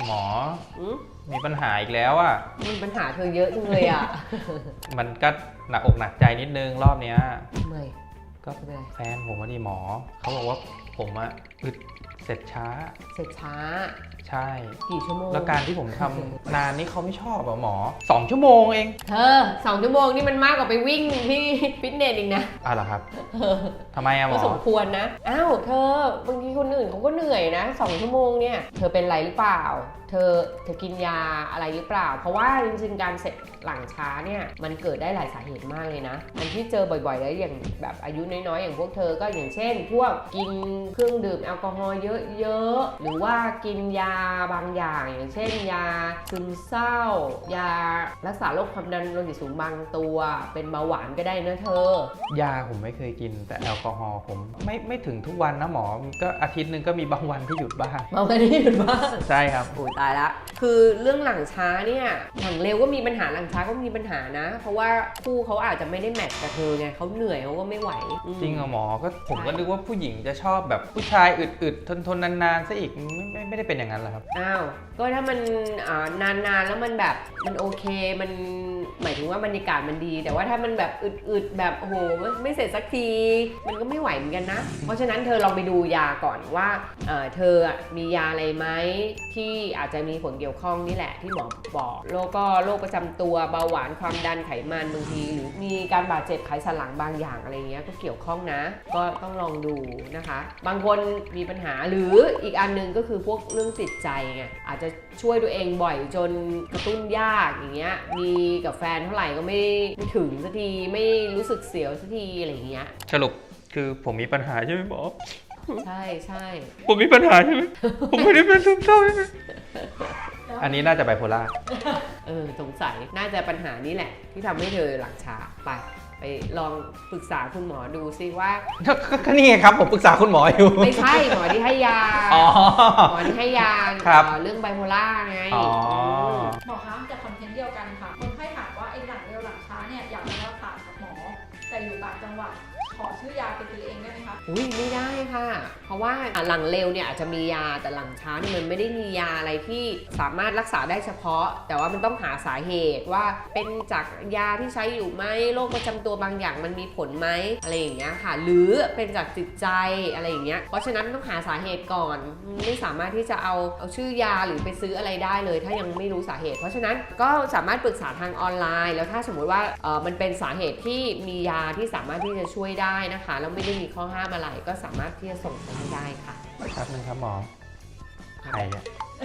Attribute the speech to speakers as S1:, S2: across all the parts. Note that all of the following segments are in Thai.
S1: หมอ
S2: อืม
S1: มีปัญหาอีกแล้วอ่ะ
S2: มีปัญหาเธอเยอะจังเลยอ่ะ
S1: มันก็หนักอกหนักใจนิดนึงรอบเนี้ย
S2: ทำไม
S1: ก็
S2: ไม่เป็นไร
S1: แฟนผมว่าดิหมอ เขาบอกว่าผมอะอึดเสร็จช้า
S2: เสร็จช้า
S1: ใช่
S2: กี่ชั่วโมง
S1: แล้วการที่ผมทำ นานนี่เขาไม่ชอบอะหมอ 2 ชั่วโมงเอง
S2: เธอ2 ชั่วโมงนี่มันมากกว่าไปวิ่งที่ฟิตเนสอีกนะ
S1: เหรอครับทำไมอะหม
S2: ก็
S1: อ
S2: สมควรนะ อ้าว เธอบางทีคนอื่นเขาก็เหนื่อยนะ2 ชั่วโมงเนี่ย เธอเป็นไรหรือเปล่า เธอกินยาอะไรหรือเปล่า เพราะว่าจริงๆการเสร็จหลังช้าเนี่ยมันเกิดได้หลายสาเหตุมากเลยนะ อันที่เจอบ่อยๆแล้วอย่างแบบอายุน้อยๆอย่างพวกเธอก็อย่างเช่น พวกกินเครื่องดื่มแอลกอฮอล์เยอะๆหรือว่ากินยาบางอย่างอย่างเช่น ยาซึมเศร้ายารักษาโรคความดันโลหิตสูงบางตัวเป็นเบาหวานก็ได้นะเธอ
S1: ยาผมไม่เคยกินแต่แอลกอฮอล์ผมไม่ถึงทุกวันนะหมอ ก็อาทิตย์หนึ่งก็มีบางวันที่หยุดบ้าง
S2: เมากันที่หยุดบ้าง
S1: ใช่ครับ
S2: โอ้ยตายละ คือเรื่องหลังช้าเนี่ย หลังเร็วก็มีปัญหาหลังช้าก็มีปัญหานะ เพราะว่าคู่เขาอาจจะไม่ได้แมทช์กับเธอไงเขาเหนื่อยเขาก็ไม่ไหว
S1: จริงเหรอหมอ ก็ผมก็นึกว่าผู้หญิงจะชอบแบบผู้ชายอึดๆทนนานๆซะอีกไม่ได้เป็นอย่างนั้นเหรอครับ
S2: อ้าว ก็ถ้ามันนานๆแล้วมันแบบมันโอเคมันหมายถึงว่าบรรยากาศมันดี แต่ว่าถ้ามันแบบอึดๆแบบโอ้โหไม่เสร็จสักทีมันก็ไม่ไหวเหมือนกันนะ เพราะฉะนั้นเธอลองไปดูยาก่อนว่าเธอมียาอะไรไหมที่อาจจะมีผลเกี่ยวข้องนี่แหละที่หมอบอกแล้วก็โรคประจำตัวเบาหวานความดันไขมันบางทีหรือมีการบาดเจ็บไขสันหลังบางอย่างอะไรเงี้ยก็เกี่ยวข้องนะ ก็ต้องลองดูนะคะ บางคนมีปัญหาหรืออีกอันนึงก็คือพวกเรื่องจิตใจไงอาจจะช่วยตัวเองบ่อยจนกระตุ้นยากอย่างเงี้ยมีกับแฟนเท่าไหร่ก็ไม่ถึงสักทีไม่รู้สึกเสียวสักทีอะไรเงี้ย
S1: สรุปคือผมมีปัญหาใช่ไหมหมอ
S2: ใช่ใช่
S1: ผมมีปัญหาใช่ไหม ผมไม่ได้เป็นซึมเศร้าใช่ไหม อันนี้น่าจะไบโพล่า
S2: สงสัยน่าจะปัญหานี้แหละที่ทำให้เธอหลังช้าไปลองปรึกษาคุณหมอดูซิว่า
S1: ก็นี่ไงครับผมปรึกษาคุณหมออยู่
S2: ไม่ใช่หมอที่ให้ยา
S1: อ๋อ
S2: หมอที่ให้ยา
S1: ครับ
S2: เรื่องไบโพล่าไง
S1: อ๋อ
S3: หมอคะจากคอนเทนต์เดียวกันค่ะคนไข้ถามว่าไอ้หลังเร็วหลังช้าเนี่ยอยากจะรักษากับหมอ แต่อยู่ต่างจังหวัดขอชื่อยาไปซื้อเองได้ไหมคะ
S2: อุ้ยไม่ได้ค่ะ เพราะว่าหลังเร็วเนี่ยอาจจะมียาแต่หลังช้าเนี่ยมันไม่ได้มียาอะไรที่สามารถรักษาได้เฉพาะ แต่ว่ามันต้องหาสาเหตุว่าเป็นจากยาที่ใช้อยู่ไหมโรคประจำตัวบางอย่างมันมีผลไหมอะไรอย่างเงี้ยค่ะ หรือเป็นจากจิตใจอะไรอย่างเงี้ยเพราะฉะนั้นต้องหาสาเหตุก่อนไม่สามารถที่จะเอาชื่อยาหรือไปซื้ออะไรได้เลย ถ้ายังไม่รู้สาเหตุ เพราะฉะนั้นก็สามารถปรึกษาทางออนไลน์ แล้วถ้าสมมุติว่ามันเป็นสาเหตุที่มียาที่สามารถที่จะช่วยได้นะคะแล้วไม่ได้มีข้อห้ามอะไรก็สามารถที่จะส่งไปให้ได้ค่ะ
S1: ครับนึงครับหมอ ใครอะ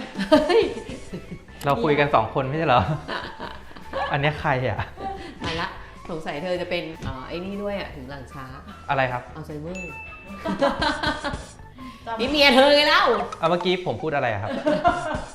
S1: เราคุยกัน2 คนไม่ใช่เหรอ อันนี้ใครอะ
S2: ตายละสงสัยเธอจะเป็นไอ้นี่ด้วยอ่ะถึงหลังช้า
S1: อะไรครับ
S2: อัลไซเมอร์นี่เมียเธอไงเล่า
S1: เอาเมื่อกี้ผมพูดอะไรอะครับ